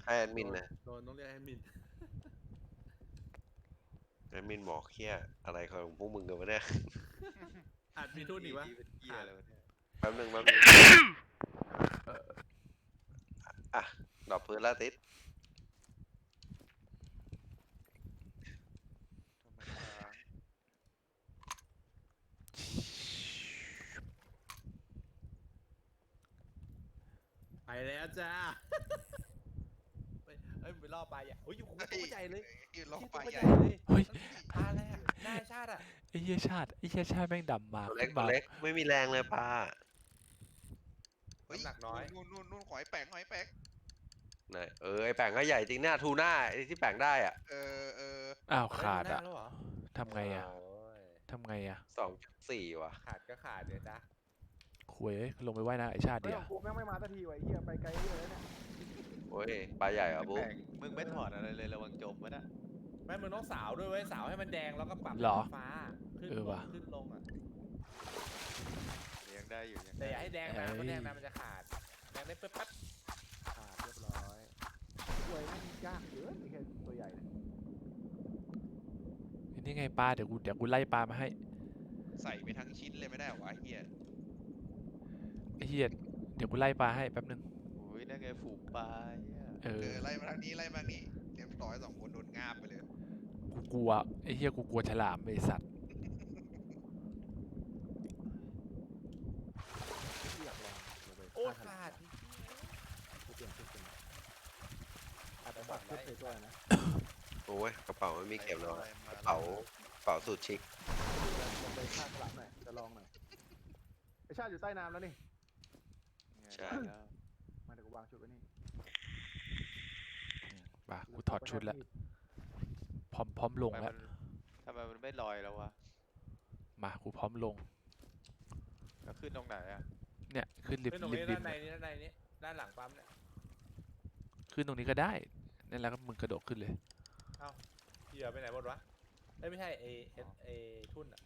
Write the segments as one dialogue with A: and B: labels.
A: ให้แอดมินนะ
B: โดนต้องเรียกแอดมิน
A: แอดมินบอกเฮียอะไรของพวกมึงกันวะเนี่ย
B: อาจมีทุนอีกวะ
C: เป็นเกียอะไรวะเนี่ย
A: แป๊บหนึ่งอ่ะดอกพื้นละติด
C: ทำไมค้าง
B: ไปแล้วจ้าเฮ้ยไปล่อปลาใหญ่โอ้ยอยู่ตัวใหญ่เลย
C: ยืนล็อกปลา
B: ตัว
C: ใหญ่
B: เลย
D: เฮ้ย
B: ปลาอะไรอ่ะหน้าชาติอ่ะ
D: ไอ้เหี้ยชาติแม่งดำมา
A: ตัวเล็
D: ขึ้
A: ก
D: น
A: ตัว
D: มา
A: เล็กไม่มีแรงเลยปลา
C: เฮ้ย
B: น้ำหนักน้อย
C: นู่นหอยแปงหอยแปง
A: ไหนไอแป่งก็ใหญ่จริงหน้าทูน่าไอที่แป่งได้อ่ะ
C: เออ
D: อ้าวขาด
B: ได้
D: อ่ะ
B: แล้วเหรอ
D: ทำไงอ่ะ
B: โอ้ย
D: ทำไงอ่ะ
A: 2.4ว่ะ
B: ขาดก็ขาดเดี๋ยวจ้ะ
D: คุยเอ้ยลงไปว่ายน้ำไอ้ชาติ
E: เฮ้ย
D: เดีย
E: ของกูแม่งไม่มาสักทีวะไอ้เหี้ยไปไกลเหี้ยแล้วเนี่ย
A: โอ้ยปลาใหญ่เหรอ่ะบุ๊
C: แป
A: ก
C: งมึงไม่ถอดอะไรเลยระวังจมวะนะ
B: แม่มึงต้องสาวด้วยเว้ยสาวให้มันแดงแล้วก็ปรับ
D: เหรอ
B: ฟ้าขึ้น
D: เออ
B: ล
D: ว่ะ
B: งขึ้นลงอ่ะ
C: ยังได้อยู่ยัง
B: แต่อย่าให้แดงนานเพราะ
D: เอ้ย
B: แดงนานมันจะขาดแดงได้ปั๊บ
E: ขาดเรียบร้อยกล้วยแม่งยากเกินไอ้แค่ตัวใหญ่เนี่ย
D: นี่ไงปลาเดี๋ยวกูไล่ปลามาให้
C: ใส่ไปทั้งชิ้นเลยไม่ได้เหรอวะเฮีย
D: ไอ้เหี้ยเดี๋ยวกูไล่ปลาให้แป๊บนึง
C: อุ้ยนั่นไงฝูงปลาเหี้ย
D: เออ
C: ไล่มาทางนี้ไล่มาทางนี้เตรียมต่อย2 คนโดนงาบไปเลย
D: กูกลัวไอ้เหี้ยกูกลัวฉลามไอ้สัตว์
E: ที่อยากลองลงไป
B: ๆโอ้
E: ฆ่
B: ขาด
E: กูเปลี่ยนชุดเป็นอาจจะปักชุดไปด้วยนะ
A: โอ้ยกระเป๋าไม่มีเข็มหรอก
C: อะไรม
A: กระเป๋าสูตรชิค
E: ลงไปฆ่าฉลามหน่อยจะลองหน่อยไอชาติอยู่ใต้น้ำแล้วนี่
A: ใช่
C: แล้ว
E: มาเดี๋ยวกูวางชุดไว้นี่
D: มากูถอดชุดแล้วพร้อมลงแล้ว
C: ทำไมมันไม่ลอยแล้ววะ
D: มากูพร้อมลง
C: แล้วขึ้นตรงไหนอะ
D: เนี่ยขึ้นริม
B: เป็นตรง
D: ริม
B: นี้
D: ริ
B: ด้าม นในนี้ด้านในนี้ด้านหลังปั๊มเนี่ย
D: ขึ้นตรงนี้ก็ได้นั่นแหละก็มึงกระโดดขึ้นเลย
B: เหยื่อไปไหนหมดวะเอ้ยไม่ใช่เอทุ่น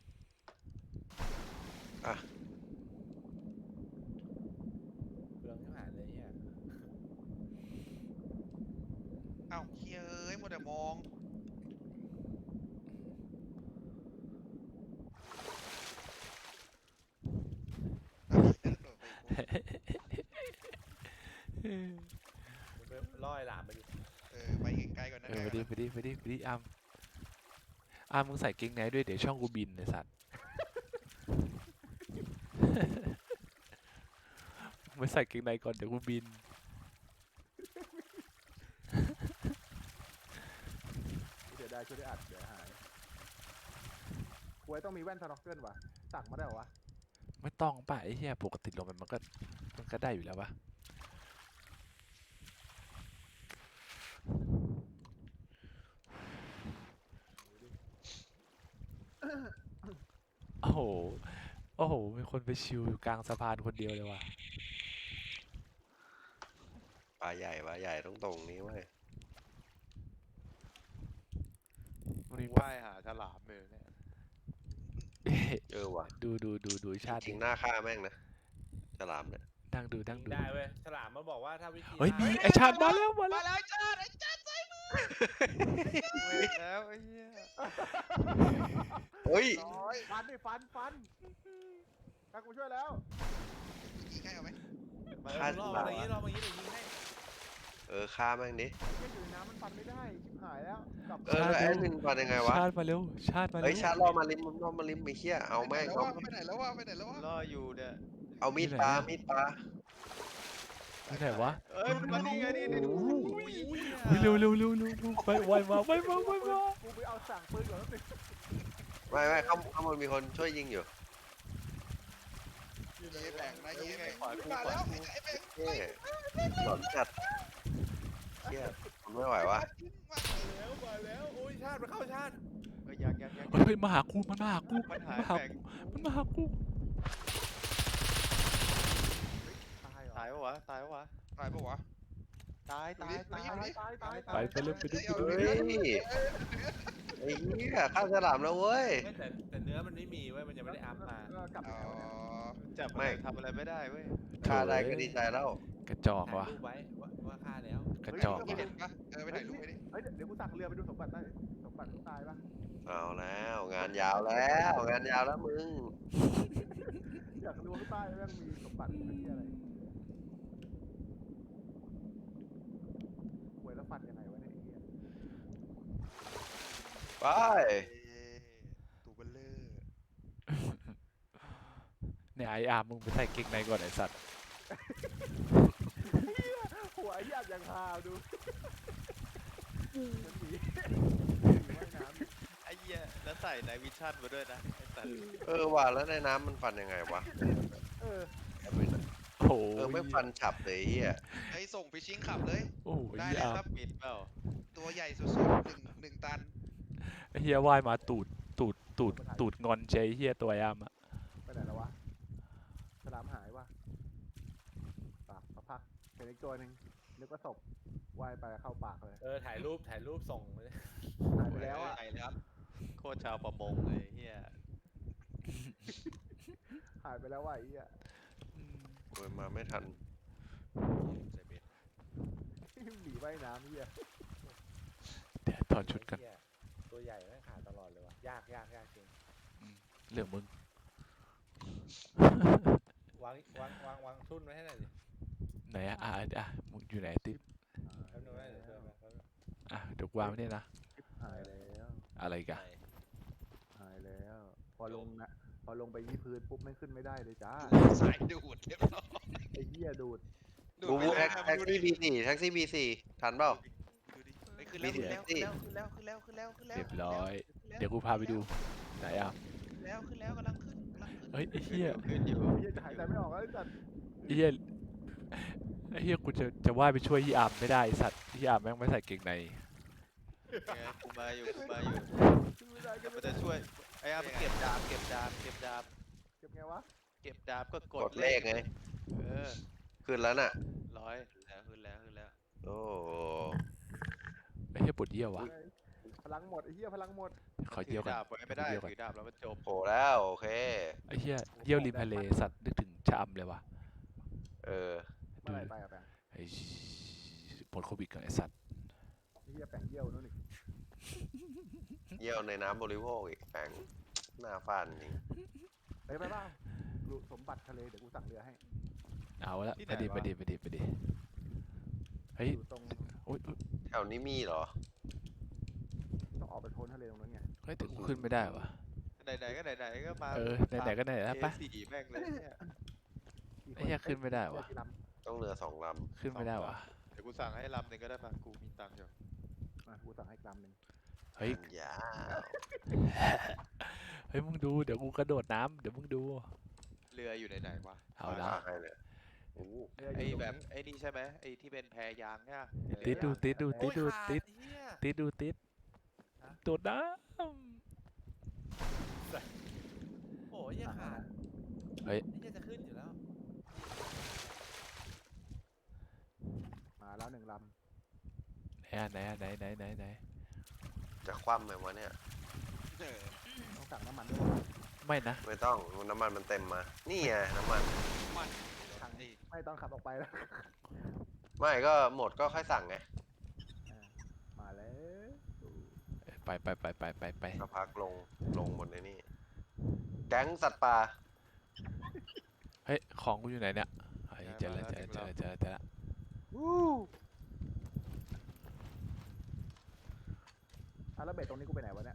B: อ่ะเปลืองที่หายเลยเนี่ย
C: เอ้าเฮ้ยมัวแต่มอง
B: มึงไปล่อไอ้หลามไปดิ
C: ไปไกลๆก่อนนะ
D: ไปดิอามมึงใส่เกงไหนด้วยเดี๋ยวช่องกูบินไอ้สัตว์ มึงใส่เกงในก่อนเดี๋ยวกูบิน
E: เดี๋ยวได้ชุดได้อัดเดี๋ยวหายกล้วยต้องมีแว่นสโนว์เกิลว่ะสั่งมาได้เหรอวะ
D: ไม่ต้องป่ะไอ้เหี้ยปกติลงมันก็ได้อยู่แล้ววะโอ้โหมีคนไปชิวอยู่กลางสะพานคนเดียวเลยว่ะ
A: ปลาใหญ่ตรงนี้เว้ย
D: มันมี
C: ว่ายหาฉลามเลยเนี่ย
A: ว่ะ
D: ดูชาติ
A: จริงหน้าฆ่าแม่งนะฉลามเนี่ย
D: นั่งดู
B: ยิงได้เว้ยฉลามมันบอกว่าถ้าวิธี
D: เฮ้ย
B: ฆ่า
D: นี่ไอชาติมาแล้ว
C: มาแล้วไอ้จ้าใส่มือเว้ยแล้วไอ้เหี้ย
A: เฮ้ย
E: น้อยฟันดิฟันถ้ากูช่วยแล้ว
C: ยิงให้เอาไหม
A: ฆ่า
B: ล่อ
A: ฉ
B: มา
A: ลาม
B: อย่างนี้ล่อมาอย่างนี้เดี๋ยวยิงให้
A: ฆ่าแม่งดิ
E: ไอ้เหี้ยอยู่ในน้ำมันฟันไม่ได้ชิบหายแล้วกลับ
A: แล้วแอดมินก่อนยังไงวะ
D: ชาติมาเร็ว
A: เฮ้ยชาร์จล่อมาลิมไอ้เหี้ยเอาแม่ง
C: ไปไหนแล้ววะล่ออยู่เนี่ย
A: เอามีดปลา
D: ที่ไหนวะ
C: เอ้ยมันนี่ไงนี่ดู
D: เฮ้ยเร็วไปไวมา
E: กูไปเอาสั่งปืนก่อนแล้วสิ
A: ไม่ข้างบนมีคนช่วยยิงอยู่
C: เย่แบ่งนะเย่แบ่งมาแล้วไอ้แบ่ง
A: เฮ้ยหลอนจัดเหี้ยผมไม่ไหววะ
B: มาแล้วโอ้ยชาติมาเข้าชาติ
C: ยัง
D: เฮ้ยมาหากูมันมาหากู
C: มันหา
D: มันหา
C: แบ่ง
D: กูมันมาหากู
E: ตายเหรอ
C: ตายปะวะตายปะวะตาย
E: ตาย
D: ไปเร็วไปดิ
A: เฮ้ยไอ้เหี้ยฆ่าฉลามแล้วเว้ย
B: แต่เนื้อมันไม่มีเว้ยมันยังไม่ได้อัพมา
E: กลับ
C: อ๋
E: แล้วเนี่ย
C: อจับทำอะไรไม่ได้เว้ย
A: ฆ่าได้ก็ดีใจแล้ว
D: กระจอก
B: ถ่าย
D: ว่ะ
B: รูปไว้ว่าฆ่าแล้ว
D: กระ
E: เฮ้ย
D: จอก
C: ไม่เห็นปะไปถ่ายรูปไปดิ
E: เฮ้ยเดี๋ยวกูสั่งเรือไปดูสมบัติได้สมบัติกูตายปะ
A: เอาแล้วงานยาวแล้วงานยาวแล้วมึง
E: อยากรู้ว่าใต้แม่งมีสมบัติเป็นที่อะไรหวยแล้วฟันยังไงวะเนี่ยไอ้เหี้ย
A: ไป
C: ตูเบลเลอร์
D: เนี่ยไออาร์มมึงไปใส่เกงในก่อนไอสัตว์
E: หัวไอ้ยากอย่างฮาวดูมันหนีว่ายน้ำ
C: ไอ้เหี้ยแล้วใส่ไนวิชั่นมาด้วยนะไอ้สัตว์
A: ว่าแล้วในน้ำมันฟันยังไงวะ
E: เออ
D: โอ้โห
A: ไม่ฟันฉับเลยไอ้เฮีย
C: ไอ้ส่งฟิชชิ่งขับเลย
D: โอ้โห
C: ได้
D: ไอ้
C: เลย
D: อาร์
C: ครั
D: ม
C: บบิดเปล่าตัวใหญ่สุดๆหนึ่งตัน
D: ไอ้เฮียว่ายมาตูดงอนใจเฮียตัวไออาร์มอะ
E: ไปไหนแล้ววะสลามหายวะปากสักพักเห็นอีกตัวหนึ่งนึกว่าศพว่ายไปเข้าปากเลย
B: ถ่ายรูปส่งเลย
E: หายไปแล้วอ่ะ
C: ไหนเลยครับโคตรชาวประมงเลยเฮีย
E: หายไปแล้วว่ะไอ้เหี้ย
A: โอ้ยมาไม่ทัน
C: ใส่เบ็ด
E: หนีว่ายน้ำเหี้ย
D: เดี๋ยวถอดชุดกัน
B: เหี้ยตัวใหญ่แม่งขาดตลอดเลยวะยากจริง
D: เรื่องมึง
B: วางทุ่นไว้ให้หน่อยดิ
D: ไหนอะมึงอยู่ไหนติ๊บ
B: แป๊บนึงนะเดี๋ยวเดินมาแป๊บนึง
D: เดี๋ยวกูวางไว้เนี่ยนะ
E: หายแล้ว
D: อะไรกัน
E: หายแล้ว พอลงไปที่พื้นปุ๊บไม่ขึ้นไม่ได้เลยจ้า
C: สายดูดเรียบร้อย
E: ไอ้เหี้ยดูด
C: ดู
A: บู
C: ด
A: บู
C: ไม่
A: แท็
C: ได้
A: ก
C: ดูดิ
A: ซี่บีสี่แท็กซี่บีสี่ทันเปล่า
C: ดูดิเฮ้ยขึ้นแล้ว
A: มี
C: ขึ้นแล้ว
A: สิ
C: ขึ้นแล้วขึ้นแล้วขึ้นแล้วขึ้นแล้ว
D: เรียบร้อย
C: ขึ้นแล้ว
D: เดี๋ยวกูพาไปดูไหนอ่ะ
C: ขึ้นแล้วกำลังขึ้น
D: เฮ้ยไอ้เหี้ย
C: ขึ้นอยู่
E: ไอ้เหี้ยจะหายใจไม่ออกแล้วไอ้สัตว์
D: ไอ้เหี้ยไอ้เหี้ยกูจะว่ายไปช่วยยี่อาร์มไม่ได้ไอ้สัตว์ยี่อาร์มแม่งไม่ใส่เกงใน
C: ไงกูมาอยู่
E: ขึ้นไม่ได้ขึ้น
C: มั
E: ไม่
C: น
E: ได้
C: จะช่วยไอ้อามันเก็บดาบ
E: เก็บไงวะ
C: เก็บดาบก็ก
A: ก
C: ด
A: ดเลขไง
C: เออ
A: ขึ้นแล้วน่ะ
C: ขึ้นแล้ว
A: โอ้
D: ไอ้เหี้ยปวดเยี่ยววะ
E: พลังหมดไอ้เหี้ยพลังหมด
D: ขอเยี่ยว
C: ถื
D: ก่อน
C: ดาบไว้ไม่ได้
D: ขอเยี่ยวก่อน
C: ถือดาบแล้วมันจม
A: โหแล้วโอเค
D: ไอ้เหี้ยเยี่ยวริมทะเลสัตว์นึกถึงชะอำเลยวะ
A: เออ
E: เมื่อไหร่ไปอะแปง
D: ไอ้ผลโควิดกันไอ้สัตว์
E: ไอ้เหี้ยแปงเยี่ยวนู่นนี่
A: เยี่ยวในน้ำบริโภคอีกแฝงหน้าฟาดจริง
E: ไปเปล่าดูสมบัติทะเลเดี๋ยวกูสั่งเรือให้
D: เอาละไปดิเฮ้ย
E: อยู่ตรง
D: โอ๊ย
A: แถวนี้มีเหรอ
E: ต้องออกไปโพ้นทะเลตรงนั้นไง
D: เฮ้ยแต่กูขึ้นไม่ได้วะ
C: ไหนๆก็ไหนๆก็มา
D: ไหนๆก็ไหนแล้วปะ
C: สี่แม่งเลยเนี่ย
D: ไอ้เหี้ยขึ้นไม่ได้วะ
E: เรือกี่ล
A: ต้องเรือสองล
D: ขึ้นไม่ได้วะ
C: เดี๋ยวกูสั่งให้ลำหนึ่งก็ได้ป่ะกูมีตังค์อยู่
E: ำกูสั่งให้ลำหนึ่ง
A: ำ
D: เฮ้ย
A: มันยาว
D: เฮ้ยมึงดูเดี๋ยวกูกระโดดน้ำเดี๋ยวมึงดู
C: เรืออยู่ไหนๆวะ
D: เอาละ
A: ให้เลยโอ้
E: เรืออ
C: ไอ้
E: ยู่ตรง
C: แบบ
E: นี้
C: ไอ้นี่ใช่ไหมไอ้ที่เป็นแพยางเนี่ย
D: ติดดู
B: โอ้ย
D: โดดน้
B: โอ้ยเหี้ยขาด
D: เฮ้ย
B: ไอ้เหี้ยจะขึ้นอยู่แล้ว
E: มาแล้วหนึ่งล
D: ำไหน
A: จะคว่ำไหมวะเนี่ย
E: ำต้องสั่งน้ำมันด้วย
D: ไม่นะ
A: ไม่ต้องน้ำมันมันเต็มมา นี่ไงน้ำมัน
E: ทางไม่ต้องขับออกไปแล้ว
A: ไม่ก็หมดก็ค่อยสั่งไง
E: มาแล้ว
D: ไป
A: ก็พักลงบนในนี่แก๊งสัตว์ป่า
D: เฮ้ยของกูอยู่ไหนเนี่ยเฮ้ยเจอแล้ว
E: แล้วเบ็ดตรงนี้กูไปไหนวะเนี่ย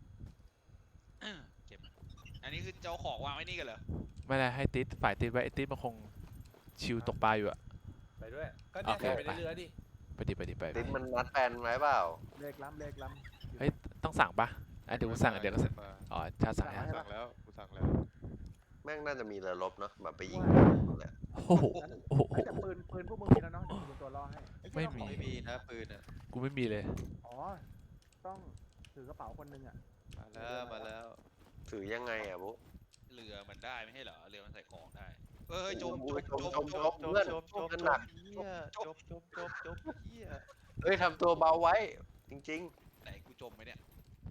C: เก็บอันนี้คือเจ้าของวางไว้นี่กันเหรอ
D: ไม่ได้ให้ติดฝ่ายติดไว้ไอ้ติดมันคงชิวตกปลาอยู่อะ
B: ไปด้วยก็เนี่ย
D: โอเค
B: ใส่ไปในเรือดิ
D: ไป
A: ติ๊บมันนัดแฟนไว้เปล่า
E: เลขล้ำ
D: เฮ้ยต้องสั่งปะเดี๋ยวกูสั่งเดี๋ยวก็สั่งอ๋อชาสั่งให้
C: สั่งแล้วกูสั่งแล้ว
A: แม่งน่าจะมีเรือรบเนาะแบบไปยิงแหละ
D: โอ้โห
E: แต่ปืนพวกมึงมีแล้วเนาะเดี๋ยวกูเป็นตัวล่อให้
D: ไม่มี
C: ไม่มีนะปืนอ่ะ
D: กูไม่มีเลย
E: อ๋อต้องถือกระเป๋าคนนึงอ่ะ
C: มาแล้ว
A: ถือยังไงอ่ะบุ๊
F: เรือมันได้ไม่ใช่เหรอ เรือมันใส่ของได้
C: เอ้ยจม
A: เพื่อนกันหนัก
C: เฮียจมเฮีย
A: เอ้ยทำตัวเบาไว้ จริง
F: ไหนกูจมไหมเนี่ย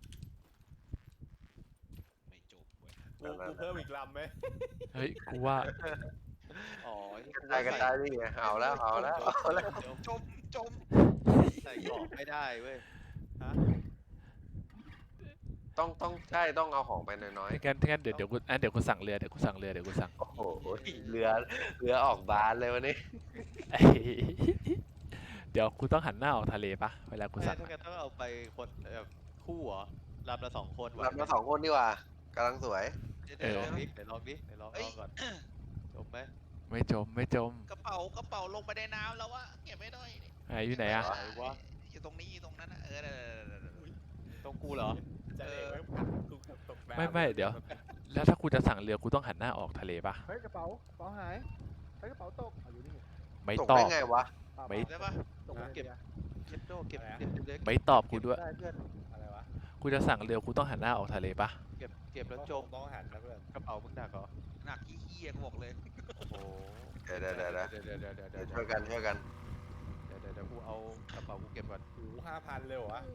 F: ไม่จมเว้ย
B: กูเพิ่มอีกลำไหม
D: เฮ้ยกูว่า
C: อ๋อ
A: ๆกระจายนี่ไงเอาแล้ว
C: จมไม่ได้เว้ย
B: ฮะ
A: ต้องใช่ต้องเอาของไปน้อย
D: งั้นเดี๋ยวกูสั่งเรือเดี๋ยวกูสั่ง
A: ๆโอ้โหเรือออกบานเลยวันนี้
D: ไอ้เดี๋ยวกูต้องหันหน้าออกทะเลปะเวลากู
C: ไม่
D: สั่ง
C: ถ้า
D: อะ
C: เกิดต้องเอาไปคนแบบคู่เหรอลำละ2 คนไหว
A: รับ
C: ไหม
A: มา2 คนดีกว่ากำลังสวย
F: เดี๋ยว
C: เดี๋ยวลอง
F: ๆ
C: ดิเดี๋ยวลองดิเดี๋ยวลอง
F: เอ้ย
C: ก่อนจบไหม
D: ไม่จม
F: กระเป๋าลงไปในน้ำแล้ววะเก็บไว้หน่อยดิ
D: ไอ้อยู่ไหนอะ
C: ไหนวะ
F: อยู่ตรงนี้อยู่ตรงนั้นนะเออเดี๋ยวๆ
C: ตรงกูเหรอ
B: จะเอกไว้กูตกน้ำ
D: ไม่เดี๋ยว แล้วถ้ากูจะสั่งเรือกูต้องหันหน้าออกทะเลปะ
E: เฮ้ยกระเป๋าหายเฮ้ยกระเป๋าตกเอาอยู่นี่
D: ไม่
A: ตก
D: ตอ
A: ได้
D: บ
A: ไงวะ
E: เปล่า
D: ไม่
F: ๆได้ปะ
E: ตกไป
C: เก็บ
E: เรือ
C: เก็บโจ้เก็บเล็ก
D: ไม่ตอบกูด้วย
E: ได้เพื่อน
B: อะไรวะ
D: กูจะสั่งเรือกูต้องหันหน้าออกทะเลปะ
C: เก็บแล้วจม
B: ต้องหันนะเพื่อน
C: กระเป๋ามึงหนักเหรอ
F: หนักขี้เหี้ยกูบอกเลย
C: โอ้โห
A: เดี๋ยว
C: เดี๋ยว
A: เดี๋ยวช่วยกัน
C: เดี๋ยวกูเอากระเป๋ากูเก็บก่อน
B: หู5,000เลยเหรอวะ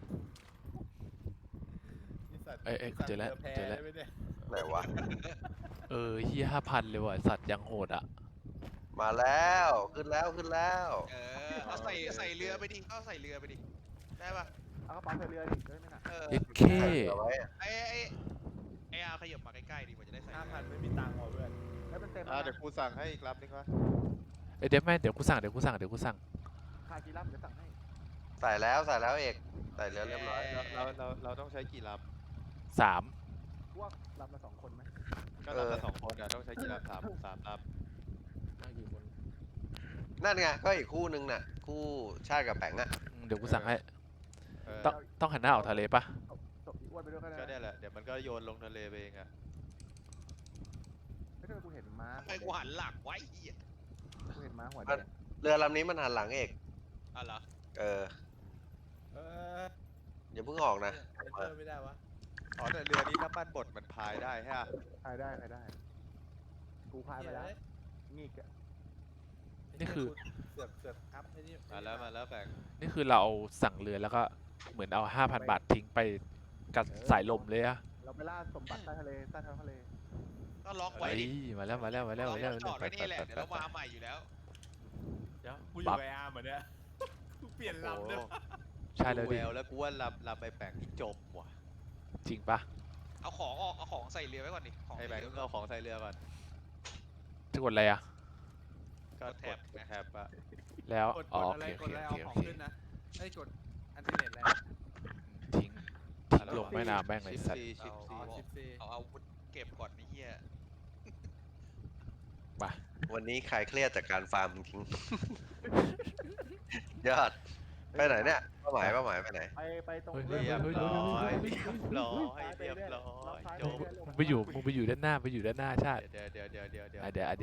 B: นี่สัตว์
D: เอ้ยกูเจอแล้ว
B: แพ้
D: เจอแล้ว
B: ได้ไหมเนี่ย
A: ไหนวะ
D: เฮีย5,000เลยว่ะสัตว์ยังโหดอะ
A: มาแล้วขึ้นแล้ว
F: เออเอาใส่เรือไปดิก็ใส่เรือไปดิได้ปะ
E: เอากระเป๋าใส่เรือดิเฮ้ยไม่หนัก
F: เออ
D: เย็ดเค
A: เอาไว้
F: ไอ้อาขยับมาใกล้ๆดีกว่าจะได้ใส่
B: 5,000ไม่มีตังค์ว่ะเพื่อน
E: แล้วมันเต็ม
C: อ่า
E: แล้ว
C: เดี๋ยวกูสั่งให้อีกลำนึงวะ
D: เดี๋ยวแม่เดี๋ยวกูสั่ง
E: ค่ากี่ลำเดี๋ยวสั่งให้
A: ใส่แล้วเอกใส่เรือเรียบร้อย
C: เราต้องใช้กี่ล
D: 3
E: พวกลำละ2 คนไหม
C: ำก็ลำละ2 คนอ่ะต้องใช้กี่ลำ3ล
B: มากี่คน
A: นั่นไงก็อีกคู่นึงน่ะคู่ชาติกับแปงอะ
D: เดี๋ยวกูสั่งให้
C: ำเออ
D: ต้องหันหน้าออกทะเลปะ
E: ตกอีอ้วนไปด้วยก็ได้
C: ก็เนี่ยแหละเดี๋ยวมันก็โยนลงทะเลไปเองอ่ะ
E: ไม่ใช่กูเห็นม้า
F: ทำไมกูหันหลังไว้เหี้ย
E: กูเห็นม้าหัวแดง
A: เรือลำนี้มันหันหลังเอก
F: อ่ะเหรอ
A: เออ
B: เออ
A: อย่าเพิ่งออกนะ
B: เพิ่มไม่ได้วะ
C: อ๋อแต่เรือนี้น้ำมันบดมันพายได้ฮะ
E: พายได้กูพายไปแล้วงีกอะ
D: นี่คือ
B: เสือกอัพไอ้นี่
C: มาแล้วแบ่ง
D: นี่คือเราเอาสั่งเรือแล้วก็เหมือนเอา 5,000 บาททิ้งไปกับสายลมเลยอะ
E: เราไปล่าสมบัติใต้ทะเลใต้ท้องทะเล
F: ก็ล็อกไว้
D: เฮ้ย
F: ดิ
D: มาแล้ว
F: เราจอดไว้นี่แหละเดี๋ยวเรามาใหม่อยู่แล้ว
B: เดี๋ยวกูอยู่กับไอ้อาร์มเหมือนเนี่ยกูเปลี่ยนลำเนี่ย
D: ใช่แล้ว
C: กู
D: ดิ
C: แววแล้วกูว่าลำไปแบ่งนี่จมว่ะ
D: จริงปะ
F: เอาของออกเอาของใส่เรือไว้ก่อนดิของ
C: ไอ้แบ่งต้องเอาของใส่เรือก่อน
D: จะกดอะไรอะ
C: ก็กดแท็บอะ
D: แล้ว
B: กด
D: อ๋อ
B: อะไร
D: โอ
B: ก
D: เค
B: ดอะไร
D: โอ
B: เอา
D: เค
B: ของขึ้นนะไอ้ยกดอันติเน็ตแล้ว
D: ทิ้งลงแม่น้ำแม่งเลยสัตว์
C: ชิป
B: อ๋อ
C: ซี
B: 14
F: เอาอาวุธเก็บก่อนไอ้เหี้ย
A: วันนี้ใครเครียดจากการฟาร์มจริง ยอดไปไหนเนี่ยเป้าหมายไปไหน
E: ไปตรง
C: เรียบร้อยเรียบร้อยจบ
D: มึงไปอยู่ด้านหน้าชาติ
C: เดี๋ยว
D: อ่ะเดี๋ยว
E: กู
D: อ่ะดิอ่ะ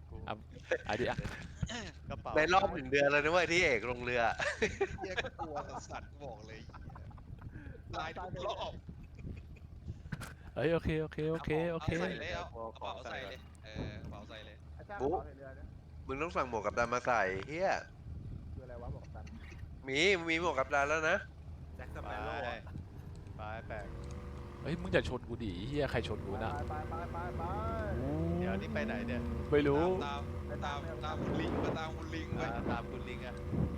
D: ดิ
C: กระเป๋า
A: ในรอบ1 เดือนเลยนะเว้ยที่เอกลงเรือ
F: เหี้ยก็กลัวสัตว์บอกเลยลายทุกรอบ
D: เอ้ยโอเค
F: เอาใส่เลยเอากระเป๋าใส่เลยเออกระเป๋าใส่เลย
E: ไอ้จ้างกระเป๋าใส่เรือเนี่ย
A: มึงต้องสั่งหมวกกับดันมาใส่เฮีย
E: คืออะไรวะบอกกัน
A: มีหมวกกับดันแล้วนะ
B: แจ็คส
C: ไป
B: เปโร่อะ
C: ไปแปลก
D: เฮ้ยมึงอย่าชนกูดิเฮียใครชนกูนะ
E: ไป
C: เดี๋ยวนี่ไปไหนเนี่ย
D: ไม่รู้
F: ตามคุณลิงมาตามคุณลิงไป
C: ตามคุณลิงอะ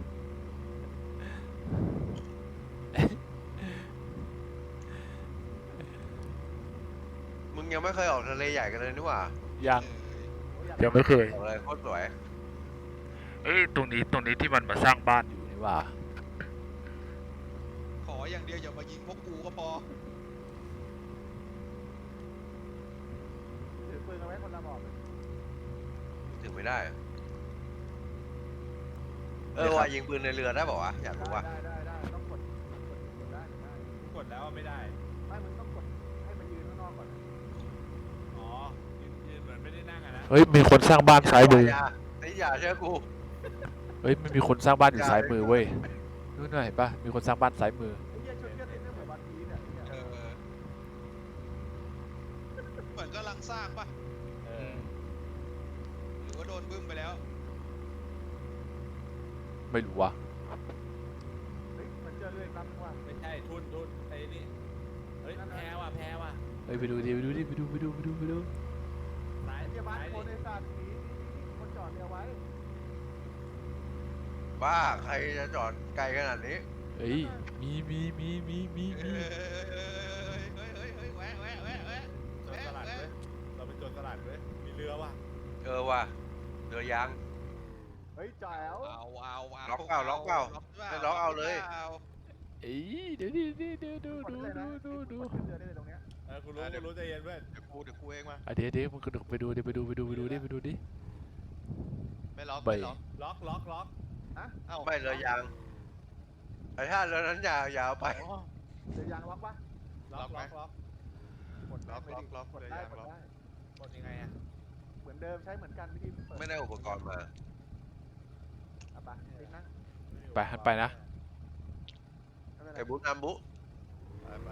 A: มึงยังไม่เคยออกทะเลใหญ่กันเลยนี่หว่า
D: ยังไม่เคย
A: ออกเลยโคตรสวย
D: เอ้ยตรงนี้ที่มันมาสร้างบ้านอยู่นี่ว่า
F: ขออย่างเดียวอย่ามายิงพวกกูก็พอ
E: ถือปืนเอาไว้คนละบอกเลย
A: ถึงไม่ได้อะว่ายิงปืนในเรือได้บอกวะอยากรู้ว่า
E: ได้ต้องกดได้
B: กูกดแล้วไม่ได้
E: ไม่มึงต้องกดให้มันยืนข้างนอกก่อน
B: อ๋อยืนเหมือนไม่ได้นั่งอะนะ
D: เฮ้ยมีคนสร้างบ้านซ้ายมือ
A: อย่าเชื่อกู
D: เฮ้ยมันมีคนสร้างบ้านอยู่ซ้ายมือเว้ยนู่นน่ะเห็นปะมีคนสร้างบ้านซ้ายมือ
E: ไอ้เหี้ยชุดเหี้ยติดเรื่องเหมือนวันพีเนี่ย
F: เออเหมือนกำลังสร้างปะ
B: เออ
F: หรือว่าโดนบึ้มไปแล้ว
D: ไม่รู้ว่ะ
E: เฮ้ยมันเจอเรื่องรับว่า
B: ไม่ใช่ทุนไอ้นี่เฮ้ยแพ้ว่ะ
D: เฮ้ยไปดูดิ
B: ซ้าย
E: ไอ้เหี้ยบ้าน
B: ซ้าย
E: คนไอ้สัตว์หนีคนจอดเรือไว้
A: บ้าใครจะจอดไกลขนาดนี้
D: เอ้ยมี
F: เฮ้ยแวะ
B: โจรสลัดเว้ยเราเป็นโจรสลัดเว้ยมีเรือว่ะ
A: ว่ะเรือยาง
E: เฮ้ยจ๋ว
F: เอา
A: ล็อกเปล่าล็อกเปล่าไม่ล็อกเอาเลย
D: เอ้ยเดี๋ยวดู
E: กดเลยนะกดขึ้นเรือได้เลยตรงเนี้ย
B: กูรู้ใจเย็นเพื่อน
F: เดี๋ยวกูเองมา
D: อ่ะเดี๋ยวมึงไปดูดิ
F: ไม่ล็อก
D: ไป
F: ไม่ล็อก
B: ล็อก
F: เอ้า
A: ไม่เรือยางไอ้ท่าเรือนั้นยาวไป
E: อ๋อเรือยางล็อกปะ
B: ล็อก
E: กดได้ไหมดิกดได้กดได้
B: กดยังไงอ่ะ
E: เหมือนเดิมใช้เหมือนกันวิธีเปิด
A: ไม่ได้อุปกรณ์มา
E: เอาไปติ๊กนะ
D: ไปนะ
E: ไม่เป็นไร
A: ไอ้บุ๊นำบุ๊
F: ไป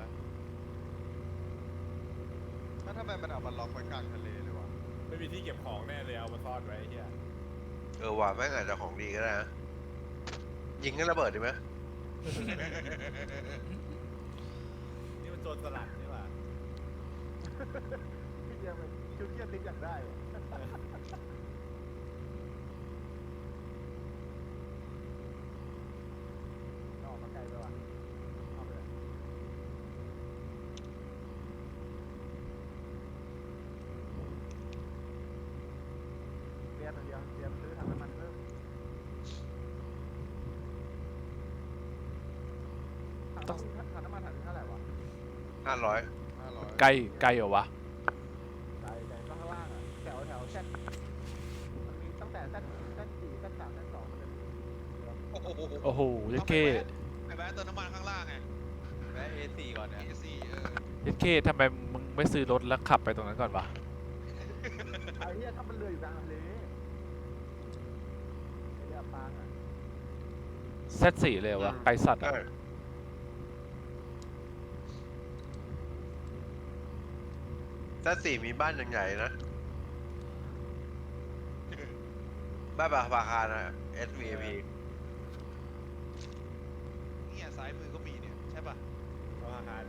F: ถ้าทำไมมันเอามันล็อกไว้กลางทะเลเลยวะ
B: ไม่มีที่เก็บของแน่เลยเอามาซ่อนไว้เฮีย
A: ว่ะแม่งอาจจะของดีก็ได้นะยิงกันระเบิดดีไหม
B: นี่มันโจรสลัดใช่ป่ะ
E: พี่เดียวมันคิวเกียร์ติ๊กอยากได้ออกมาไกลไปว่ะเอาไปเลยเรียนอย่างเดียวเรียนซื้อถังน้ำมันเพิ่มถังน้ำมันถังเท่าไหร่วะ
A: 500
F: 500
D: ใกล้เหรอวะ
E: ไกลก็ข้างล่างอ่ะแถวแซดมันมีตั้งแต่แซด4แซด3แซด2มันจะมี
D: โอ้โหเจ๊เก้
F: ไปแวะเติมน้ำมันข้างล่างไงแวะ A4 ก่อนเนี่ย A4
D: เจ๊เก้ทำไมมึงไม่ซื้อรถแล้วขับไปตรงนั้นก่อนวะ
E: ไอ้เหี้ยถ้ามันเรืออยู่กลางทะเลไอ้เรือปางอ่ะ
D: Z4 เลยเหรอวะไกลสัตว์อ่ะ
A: ถ้าสี่มีบ้านใหญ่ๆนะ บ้านปาคารนะ SVP
F: เนี่ยซ้ายมือก็มีเนี่ยใช่ป่ะ
B: เอาอาหาร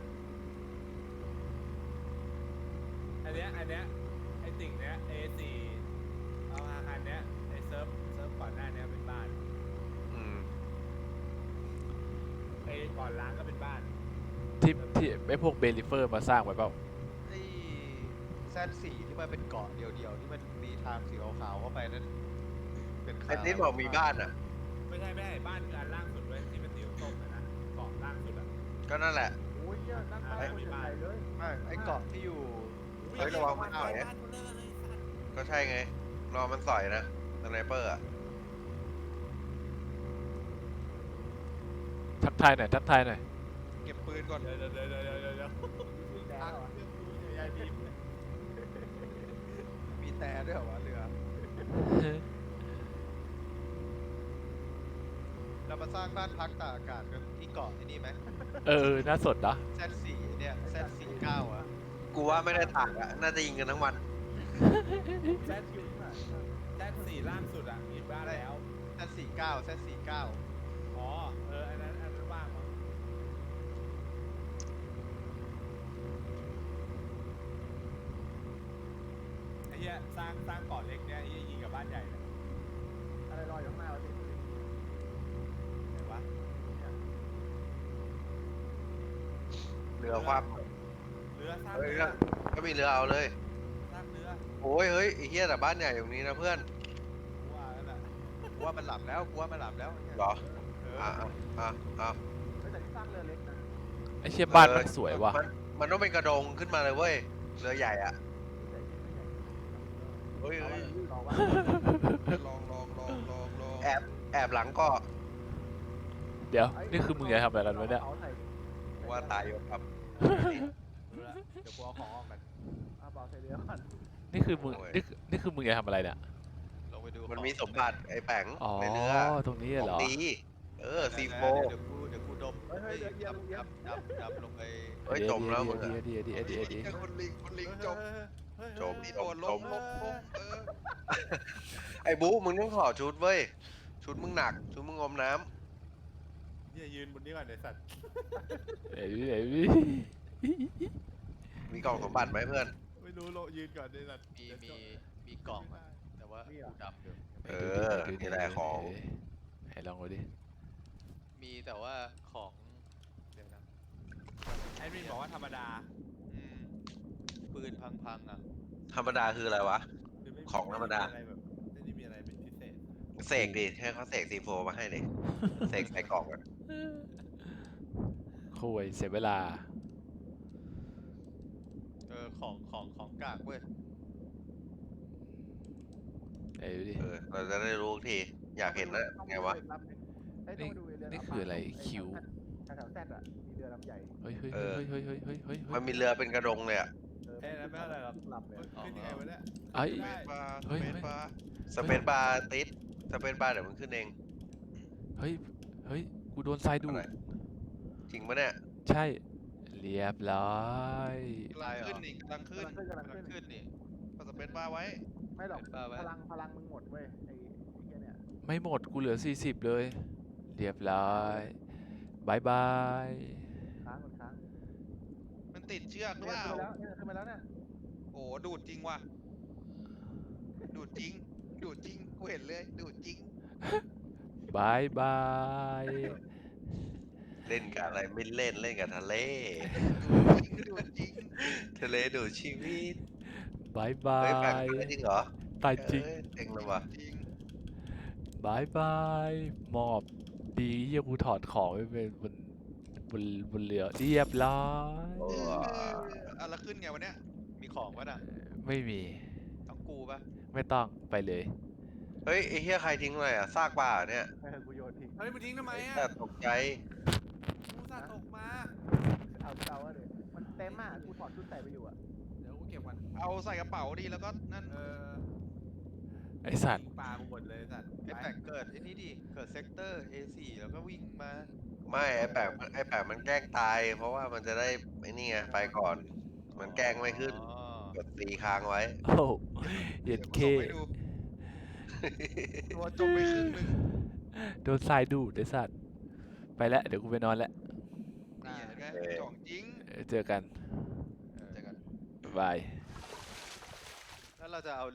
B: อันเนี้ยไอติ่งเนี้ย A4 เอาอาหารเนี้ยไอเซิร์ฟก่อนหน้าเนี้ยเป็นบ้าน
A: อืม
B: ไอก่อนล้างก็เป็นบ้าน
D: ที่ไอ้พวกเบลิเฟอร์มาสร้างไว้เปล่า
F: ไอ้แซดสี่ที่มันเป็นเกาะเดียวๆที่มันมีทางสีขาวๆเข้าไปนั่นเป็น
A: ไอ้ติ๊ดบอกมีบ้านอ่ะ
B: ไม่ใช่บ้านคืออันล่างสุดเว้ยที่เป็นสีส้มๆนะเกาะล่างสุดอ่ะ
A: ก็นั่นแหละ
E: โอ้ยเหี้ยนั่งใต้คนใหญ่เลย
F: ไม่ไอ้เกาะที่อยู่
A: เฮ้ยระวังมัน
B: บ้า
A: สอย
B: บ้านคนเลิกเลยสัตว์
A: ก็ใช่ไง รอมันสอยนะสไนเปอร์อ่ะ
D: ทักทายหน่อย
F: เก็บปืนก่อน
B: เดี๋ยว
E: แดง
B: ตั้ง
E: เหรอ
B: เรื่องดูใหญ่ๆบีบ
F: มีแต่ด้วยเหรอวะเรือเรามาสร้างบ้านพักตากอากาศกันที่เกาะไอ้นี่ไหม
D: น่าสนนะ
F: แซดสี่เนี่ยแซดสี่9อ่ะ
A: กูว่าไม่ได้ตากอ่ะ น่าจะยิงกันทั้งวัน
B: แซดสี่ล่างสุดอ่ะมีบ้านแล้ว
F: แซดสี่9แซดสี่9
B: อ๋ออันนั้นว่างมั้งไอ้เหี้ยสร้างเกาะเล็กเนี่ยไอ้เหี้ยยิงกับบ้านใหญ่เลย
E: อะไรลอยอยู่ข้างหน้าวะพี่
B: ไหนวะ
A: เรือคว่
B: เรือสร้าง
A: ำเฮ้ย
B: เรือ
A: ก็มีเรือเอาเลย
B: สร้างเรือ
A: โอ้ยเฮ้ยไอ้เหี้ยแต่บ้านใหญ่ตรงนี้นะเพื่อน
B: กูว่าแล้วแหละ
F: กูว่ามันหลับแล้วเนี่ย
A: เหรอ
F: เออ
A: อ่ะ
E: เฮ้ยแต่ที่สร้างเรือเล็กนะ
D: ไอ้เชี่ยบ้านมันสวยว่ะ
A: มันต้องเป็นกระดงขึ้นมาเลยเว้ย เรือใหญ่อ่ะ เฮ้ย
E: เอา
A: เฮ้ย
E: รอว่า
F: ลอง
A: แอบหลังก็
D: เดี๋ยว นี่คือมึงจะทำอะไรกันวะเนี่ย
A: ว่าตายอยู่ครับ
B: รู้แล้วเดี๋ยวกูเอาของออกกัน
E: เอาเปล่าใส่เรือก่อน
D: นี่คือมึงจะทำอะไรเนี่ย
F: ลงไปดู
A: มันมีสมบัติไอ้แปง
D: อ๋อ
A: ในเรือ
D: ตรงนี้
A: ข
D: เหร
A: อง
D: อ
A: ดีซีโฟ
F: เดี๋ยวกูดม
E: เฮ้ยเรือเอียงเอียง
F: ดำลงไป
A: เฮ้ยจมแล้วมึงอะ
D: เดี๋ยว
F: คนลิงจม
A: จม
F: โดดลงเออ
A: ไอ้บู๊มึงต้องถอดชุดเว้ย ชุดมึงหนัก ชุดมึงงมน้
B: เนี่ยยืนบนนี้ก่อนไอ้สัตว์
D: เดี๋ยว
A: ำมีกล่องสมบัติไหมเพื่อน
B: ไม่รู้โลยืนก่อนไอ้สัตว์
F: มีกล่องอะแต่ว่ากูดำอยู่
A: นี่แหละของ
D: ลองดูดิ
F: มีแต่ว่าของเดี๋ยวนะ
B: แอดมินบอกว่าธรรมดา
F: อืมปืนพังๆอ่ะ
A: ธรรมดาคืออะไรวะ
B: คือไม่
A: ของธรรมดา
B: ไอะไรแบบไม่ได้มีอะไรเป็นพิเศษ
A: เสกดิให้เขาเสกซีโฟมาให้ดิเสกใส่กล่องอะ
D: คุยเสียเวลา
F: ของกากเว้ย
D: ดูดิ
A: เราจะได้รู้ทีอยากเห็นนะไงวะ
E: ต้องมาดูเรือ
D: นี่คืออะไรคิว
E: แถวแซดอะมีเรือลำใหญ่
D: เฮ้ยเฮ้ย
A: เอ
D: เฮ้ย
A: อ
D: เฮ้ยเฮ้ยเฮ้ยเฮ้ยเฮ้ย
A: มันมีเรือเป็นกระดงเลยอะ
B: เอ้ยนั่นไม่เท่าไหร่หรอก
E: ลำเลย
B: ขึ้นยังไงวะเนี่ย
D: ไอ้
B: ขึ้น
C: เม
B: ได้
C: ตรบาร์
D: เฮ้ย
C: เมตรบาร์
A: สเปซบาร์ติดสเปซบาร์เดี๋ยวมันขึ้นเอง
D: เฮ้ยเฮ้ยกูโดนทรายดู
A: อะไร
D: ด
A: จริงปะเนี่ย
D: ใช่ เรียบร้อย
C: กำลังขึ้นนี่กำลังขึ้น
E: กำลังขึ้น
F: ขึ้นนี่
C: ก็สเปซบาร์ไว้
E: ไม่หรอก
F: เป็นบ้าไว้
E: พลังมึงหมดเว้ยไอ้เหี้ยเนี่ย
D: ไม่หมดกูเหลือ 40 เลย เรียบร้อยบายบาย
E: ค้างหมดค้าง
C: มันติดเชือกหรือ
E: เนี่ย
C: เปล่า
E: ขึ้นมาแล้วเนี่ย
C: โอ้ดูดจริงว่ะ ดูดจริง ดูดจริง กูเห็นเลย ดูดจริง
D: บายบาย
A: เล่นกับอะไรไม่เล่นเล่นกับทะเล
C: ดูดจริง
A: ทะเลดูดชีวิต
D: บายบา
A: เฮ้ยแปลก
D: ย
A: จริงเหรอ
D: ตายจริง
A: เอ้ยเจ๋งเลยว่ะ
C: จริง
D: บายบายหมอบดีเยี่ยกูถอดของไปเป็นบนเรือเรียบร้อย
A: โอ้
C: แล้วขึ้นไงวะเนี่ย
F: มีของปะน่ะ
D: ไม่มี
F: ต้องกูปะ
D: ไม่ต้องไปเลย
A: เฮ้ยไอ้เหี้ยใครทิ้งอะไรอ่ะซากปลาเหรอเนี่ย
E: กูโยนทิ้ง
B: เฮ้ยมึงทิ้งทำไมอ่ะ
A: แต่ตกใจ
B: กูสาดตกมา
E: เอาอะเลยมันเต็มอ่ะกูถอดชุดใส่ไปอยู่อ่ะ
B: เดี๋ยวกูเก็บก่อน
C: เอาใส่กระเป๋าดีแล้วก็นั่น
D: ไอสัตว์
B: ทิ้งปลากูหมดเลยสัตว์
F: ไอ้แปลกเกิดไอ้นี่ดิ เกิดเซกเตอร์ A4 แล้วก็วิ่งมา
A: ไม่ไอ้แปลกมันแกล้งตาย เพราะว่ามันจะได้ไอ้นี่ไงไปก่อน มันแกล้งไม่ขึ้น
F: อ๋อ
A: กดตีค้างไว้
D: โอ้เย็ด
C: เดี๋ยว
D: เค
C: กูส่งให้ดู ตัวจมไปครึ่งหนึง
D: โดนทรายดูดไอสัตว์ ไปแล้ว เดี๋ยวกูไปนอนแล้ว
C: นี่เห็นไหม
A: เออ
C: ของจริง
D: เจอกัน
C: เจอกัน
D: บ๊ายบาย
F: แล้วเราจะเอา